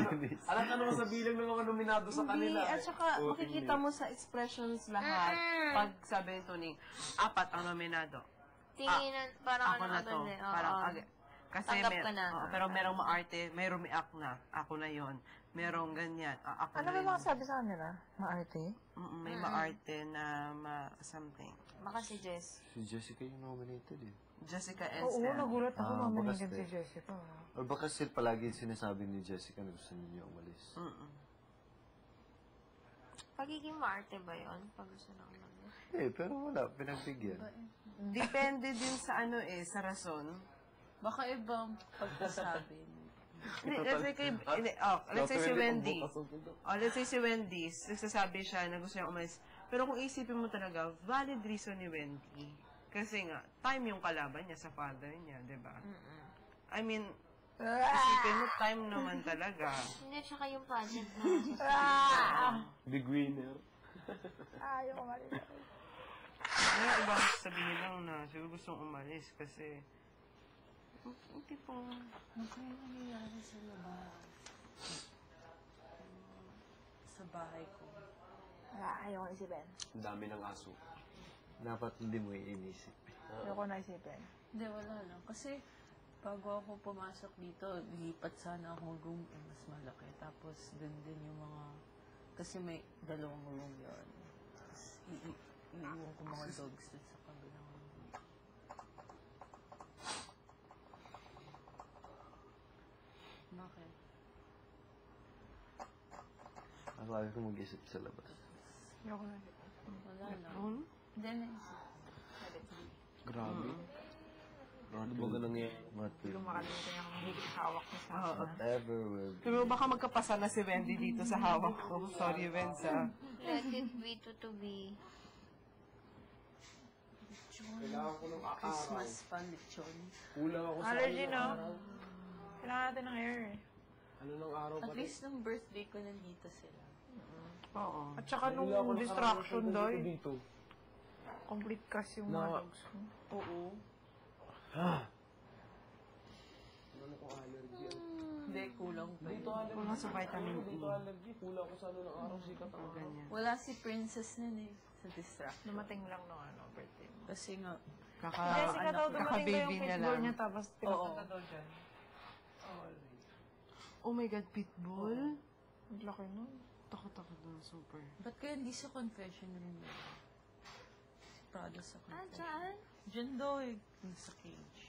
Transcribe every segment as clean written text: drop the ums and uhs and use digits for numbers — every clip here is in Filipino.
Alam ka naman sa bilang ng mga nominado sa kanila. At saka makikita mo sa expressions lahat. Pag sabi ni Tony, 4 ang nominado. Tinginan, parang Ako na to. Parang, kasi pero merong maarte, may rumiak na. Ako na yon. Merong ganyan. Ako Ano ba mga sabi sa kanila? Maarte? May maarte na something. Baka si Jess. Si Jessica yung nominated eh. Jessica Oo, Esther. nagulat ako nominated bakas si Jessica. Or baka still palagi sinasabi ni Jessica na gusto niya umalis. Pagiging maarte ba yun? Pag gusto na umalis? Pero wala, pinagbigyan. Depende din sa sa rason. Baka ibang pagkasabi. Let's say si Wendy. Let's say si Wendy, nagsasabi siya na gusto niya umalis. Pero kung isipin mo talaga, valid reason ni Wendy. Kasi nga, time yung kalaban niya sa father niya, di ba? I mean, isipin mo, time naman talaga. Hindi, tsaka yung pageant na. Big winner. Ayaw ko mali. Ngayon, iba sabihin lang na siguro gustong umalis kasi yung tipong Ano kaya nangyayari sa labas? Sa bahay ko. Ayaw ko isipin. Ang dami ng aso. Dapat hindi mo iinisip. Ayaw ko naisipin. Hindi, wala lang. Kasi bago ako pumasok dito, lipat sana akong room mas malaki. Tapos dun din yung mga... Kasi may 2 room yun. Tapos iiwan ko mga dogs dun sa kabilang room. Bakit? Ako ayaw ko mag-isip sa labas. Ayaw ko naisipin. Wala lang. Hindi, naisip. Grabe. Ano ba ganang yan? Hindi ko makalimutan yung higit hawak ko sa akin. Whatever will be. pero baka magkapasa na si Wendy dito sa hawak ko. Sorry, Wendy. Let it be to be. Kailangan ko ng Christmas pa, lechon. Kulang ako sa Allergy, no? Kailangan natin ng hair eh. Ano ng araw At least nung birthday ko, nandito sila. Oo. At saka nung distraction doy, complete cast yung mga dogs mo. Oo. Ano ko allergy? Hindi, kulang pa. Kulang sa vitamin E. Allergy. Kulang ko sa ano ng araw sikat ang Ganyan. Wala si Princess nun eh. Sa distract. Dumating lang nung birthday mo. Kasi nga, Jessica daw dumating daw kaka-baby yung niya pitbull lang. niya tapos pinapunta daw dyan. Oh my God, pitbull? Ang laki nun. Takot-takot doon, super. ba't kaya hindi sa confession room yun? Si Prada sa confession. Saan? Diyan daw eh. Yung sa cage.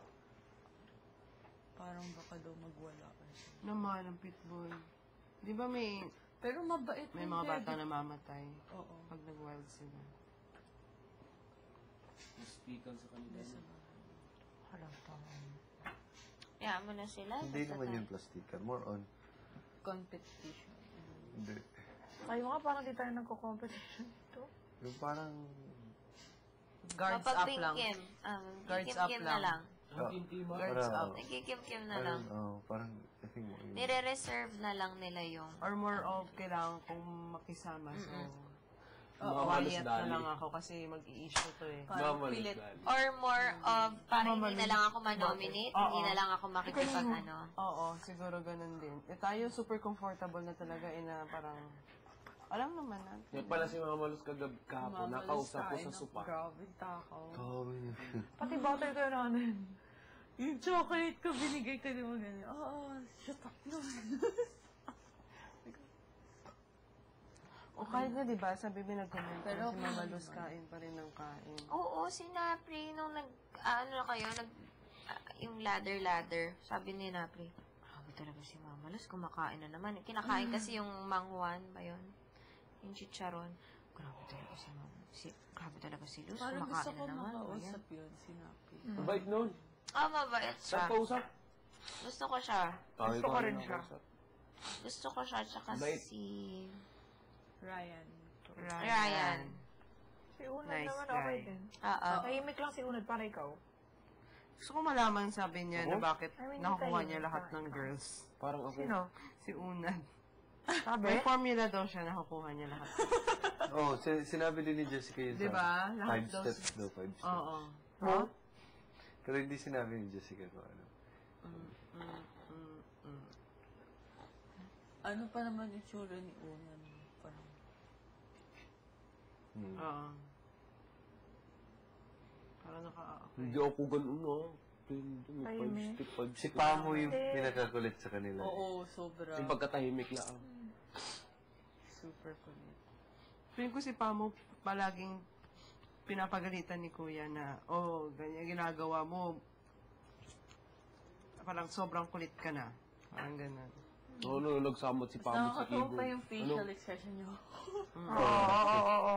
Parang baka daw magwala. Naman ang pitbull. Di ba may Pero mabait may yun, mga kaya bata di- na mamatay Oo. pag nag-wild sila? Speakan sa kanila. Halang tama. Kaya mo na sila. Hindi naman yung plastikan. More on. Competition. Hindi. Kayo nga parang di tayo nagko-competition ito. Yung parang... Guards Kapag up Pink lang. Kim, Guards up Kim na lang. lang. Guards up. Nagkikim-kim na lang. Parang, I think mo yun. Nire-reserve na lang nila yung... Or more of kailangan kong makisama. So, Mamalos quiet na lang ako kasi mag-i-issue to eh. Parang Mamalos pilit. dali. Or more of, parang hindi na lang ako manominate, hindi na lang ako makikipag ano. Oo, siguro ganun din. Tayo super comfortable na talaga na parang, alam naman natin. Yan pala si Mamalos kahapon. Nakausap ko sa sopa. Grabe, takaw. Grabe yun. Pati bottle ko yun natin. Yung chocolate ko, binigay ko din mo ganyan. Oo, shut up naman. O kahit na diba, sabi mo nag-comment Pero si Mama Luz kain pa rin ng kain. Oo, si Napri, nung ano na kayo, yung ladder, sabi ni Napri, grabe talaga si Mama Luz, kumakain na naman. Kinakain kasi yung mangwan ba yun? Yung chicharon. Grabe talaga si Mama. Grabe talaga si Luz, Parang gusto kumakain ko na naman. makausap yun, sinapi. Mabait nun. Mabait siya. Saan kausap? Gusto ko siya. Gusto ko rin siya. Gusto ko siya, tsaka Mabait. si Ryan. Si Unad Nice naman guy. okay din. Tahimik lang si Unad para ikaw. Gusto ko malaman sabi niya na bakit I mean, nakukuha tayo, niya lahat parang ng girls. Parang ako. Sino? Si Unad. Sabi? May formula daw siya nakukuha niya lahat. Oh, sinabi din ni Jessica yun Diba? sa Lahat 5 daw- steps daw, 5 steps. Oo. Huh? Pero hindi sinabi ni Jessica kung ano. Ano pa naman yung tsura ni Unan? Parang, Oo. Parang Hindi ako ganun, no? Tahimik. Si Pamo yung pinakakulit sa kanila. oo, sobra. Yung pagkatahimik lang. Super kulit. Feeling ko si Pamo palaging pinapagalitan ni Kuya na, ganyan ginagawa mo. Parang sobrang kulit ka na. Parang ganun. Oo, no, nagsamot si Pamo sa Nakakatawa keyboard. pa yung facial expression niyo. Oo.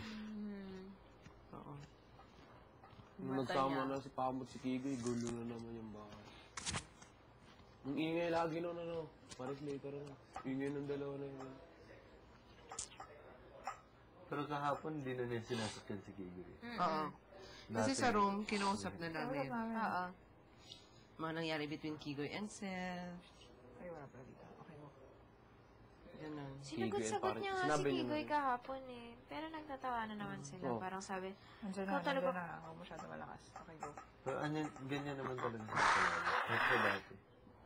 Oo. Nung nagsama na si Pamo at si Kigoy, gulo na naman yung bahay. Yung ingay lagi nun, Paris later na. Ingay ng dalawa na yun. Pero kahapon, hindi na niya sinasakyan si Kigoy. Oo. Kasi sa room, kinausap na namin. Oo. Mga nangyari between Kigoy and Seth. Ay, wala pala dito. Okay mo. Ganun. Sinagot-sagot niya nga si Sinabi niya Kigoy na. kahapon eh. Pero nagtatawanan naman sila. Oo. Parang sabi, Nandiyan Ikaw na, talaga. nandiyan na. Huwag masyado malakas. Okay, go. Pero ganyan naman talaga sa kanila. Kahit sa dati.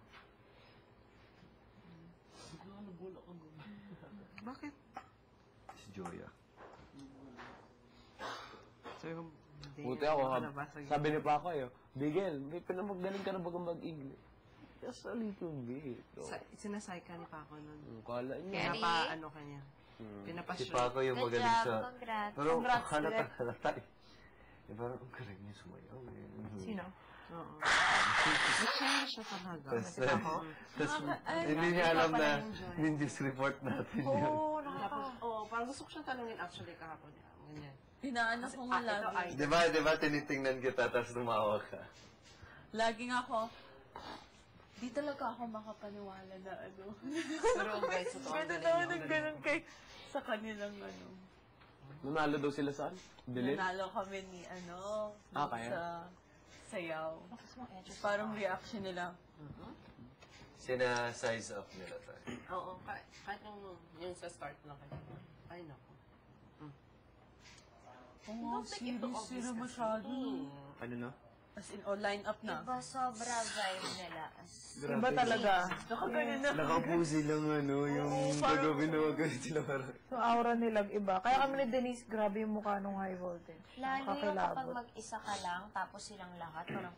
Bakit? Si Joya. So, yung... Buti ako, sabi ni Paco, Bigel, may pinamagaling ka na bagang mag-English. Just a little bit. Sinasay ka ni Paco nun. Kala niya. Kenny? Pinapa-ano ka niya. Si Pinapashoot. Paco yung good magaling job, sa... congrats. Pero Congrats, halata eh. Eh, parang ang galing niya sumayaw eh. Sino? Oo. Nag-share siya talaga. Tapos, hindi niya alam na Ninjas report natin yun. Oo, Parang gusto ko siyang tanungin actually kahapon. Ganyan. Pinaano ko nga ito lagi. ay... Di ba tinitingnan kita tapos tumawa ka? Laging ako, di talaga ako makapaniwala na Pero guys, ito ang Ganda galing daw niya. ng ganun kay... sa kanilang Nanalo daw sila saan? Delete? nanalo kami ni kaya? sa sayaw. Parang reaction nila. Sina-size up nila tayo. Oo, kahit yung sa start na kayo. Ay, naku. Oo, serious sila masyado. Ano no? As in, line up na. Iba sobra vibe nila. Iba talaga. Nakaganon na. Nakapo silang yung gagawin na gagawin sila parang. Yung aura nila iba. Kaya kami ni Denise, grabe yung mukha nung high voltage. Lalo yung kapag Nakakilabot. mag-isa ka lang, tapos silang lahat, parang,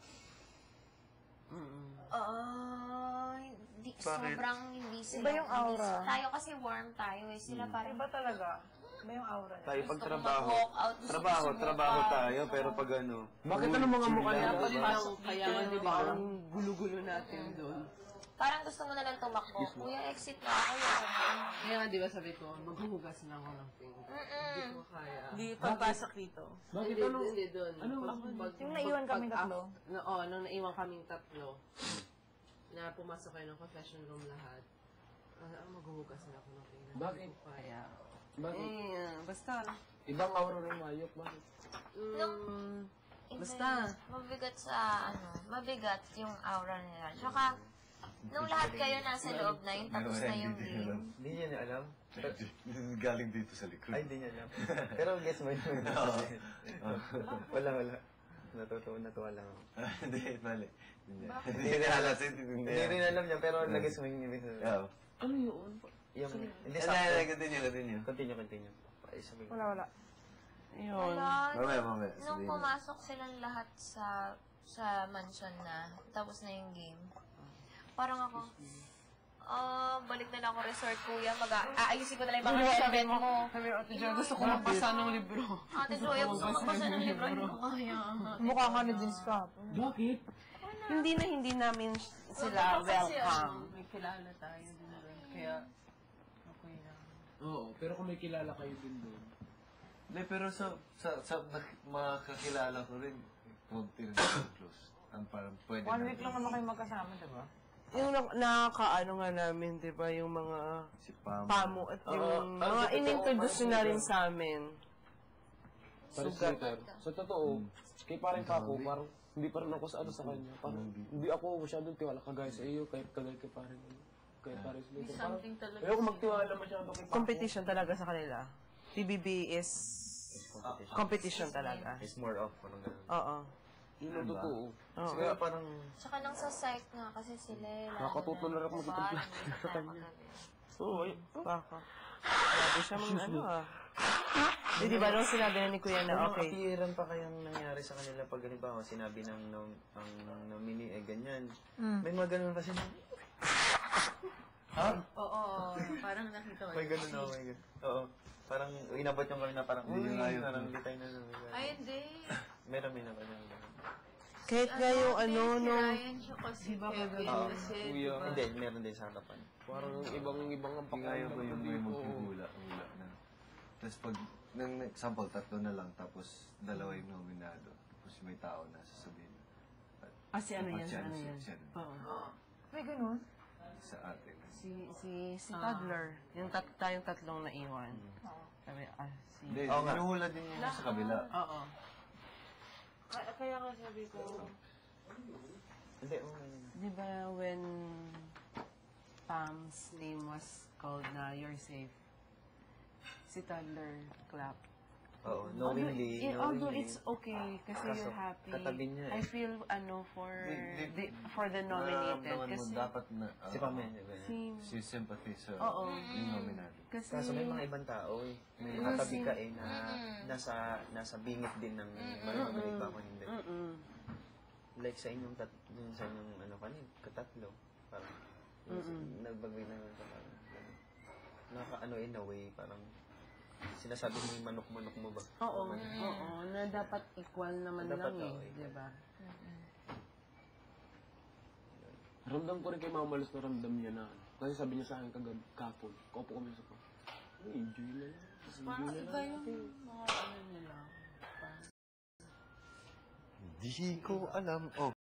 hindi, sobrang hindi sila. Iba yung aura. Tayo kasi warm tayo eh. Sila parang, Iba talaga. Iba yung aura nila. Tayo pag gusto ko trabaho. mag-walk out, gusto ko sumuka. Trabaho tayo, pero pag ano. Bakit ano mga mukha niya? Dapat parang kaya nga di ba ang gulo-gulo natin doon. Parang gusto mo na lang tumakbo. Kuya, exit na ako yun. Kaya nga di ba sabi ko, maghuhugas na ako ng pink. Hindi ko kaya. Hindi pagpasok dito. Bakit Hindi doon. Yung naiwan kaming tatlo. Nung naiwan kaming tatlo, na pumasok kayo ng confession room lahat, maghuhugas na ako ng pink. Bakit? Hindi ko kaya. Bakit? Basta. Ibang aura ng mayok, bakit? Basta. Mabigat sa, mabigat yung aura nila. Tsaka, nung lahat kayo nasa loob na yun, tapos na yung game. Hindi niya niya alam. Galing dito sa likod. Ay, hindi niya alam. Pero guess mo yun. Wala. Natuwa lang ako. Hindi, mali. Hindi niya alam. Hindi rin alam niya, pero nag-guess mo yung ibig sabihin. Oo. Ano yun? Yung, hindi Hindi, sakto. continue. Continue. Ay, sabi ko. Wala. Ayun. Mamaya. Nung sabihin mo. pumasok silang lahat sa mansion na, tapos na yung game, parang ako, balik na lang ako resort, kuya. Aayusin ko na lang yung mga sabit mo. Sabi, Ate Jo, gusto ko magbasa ng libro. Ate Joya, gusto ko magbasa ng libro. Hindi ko kaya. Mukha nga ni Denise kahapon. Bakit? Hindi namin sila welcome. May kilala tayo din doon. Kaya, okay lang. Oo, pero kung may kilala kayo din doon. Hindi, pero sa makakilala ko rin, huwag tinatawag close. Ang parang pwede 1 week lang naman kayo magkasama, diba? Yung nakakaano nga namin, di ba, yung mga Si Pamo. pamo at yung mga inintroduce na rin sa amin. Paris later. Sa totoo, kay parang Paco, parang hindi pa rin ako sa kanya. Parang hindi ako masyadong tiwala kagaya sa iyo, kahit kagaya kay parang kay Paris later. Parang Something talaga. ayoko magtiwala masyado kay Paco. Competition talaga sa kanila. TBB is competition talaga. It's more of, parang ganun. Oo. Yun ang totoo. Oo. Kaya parang, Tsaka nang sa psych nga kasi sila. Nakakatuto na rin ako magtutupla sa kanya. Oo, baka. Grabe siya mga ano ah. Di ba nung sinabi na ni Kuya na okay. Appearan pa kayang nangyari sa kanila pag halimbawa sinabi ng ang nominee ganyan. May mga ganun kasi na. Ha? Oo, parang nakita ko. May ganun ako, may ganun. Oo. Parang inabot yung kami na parang, parang hindi tayo na. Ay, hindi. Meron may naman yung ganun. Kahit nga yung ano, Si no. Ryan siya kasi Kevin. Kasi, Kuya. Hindi, meron din sa harapan. Parang ibang ang Kaya pakiramdam ko yung ko may dito. magpupula na. Tapos pag, ng example, 3 na lang, tapos 2 yung nominado. Tapos may tao na sasabihin. Ah, si ano yan, si Siya, ano yan. siya, Oo. May ganun? sa atin. Si Toddler. Yung tayong tatlong naiwan. Sabi, si... Hindi, Oo nga. hinuhula din yun sa kabila. Oo. Kaya nga sabi ko, Hindi, okay. di ba when Pam's name was called na You're Safe, si Toddler clap. Oo, knowingly. Although it's okay kasi Kaso, you're happy. katabi niya eh. I feel for for the nominated Nararamdaman mo kasi dapat na, Si Pamela, ganyan. si si sympathy sa Oo. yung nominado. kasi Kaso may mga ibang tao eh. May katabi ka eh na nasa bingit din ng manunumalik ba ako hindi. Like sa inyong sa inyong ano kanin, katatlo. Parang nagbagay na parang naka-ano in a way, parang sinasabi mo yung manok-manok mo ba? oo, na dapat equal naman Dapat, lang oo, eh, equal. di ba? Ramdam ko rin kay Mama Luz na ramdam niya na. Kasi sabi niya sa akin kapon. Kaupo kami sa ko. Enjoy na lang. parang iba yung mga ano nila. Hindi ko alam. Oh,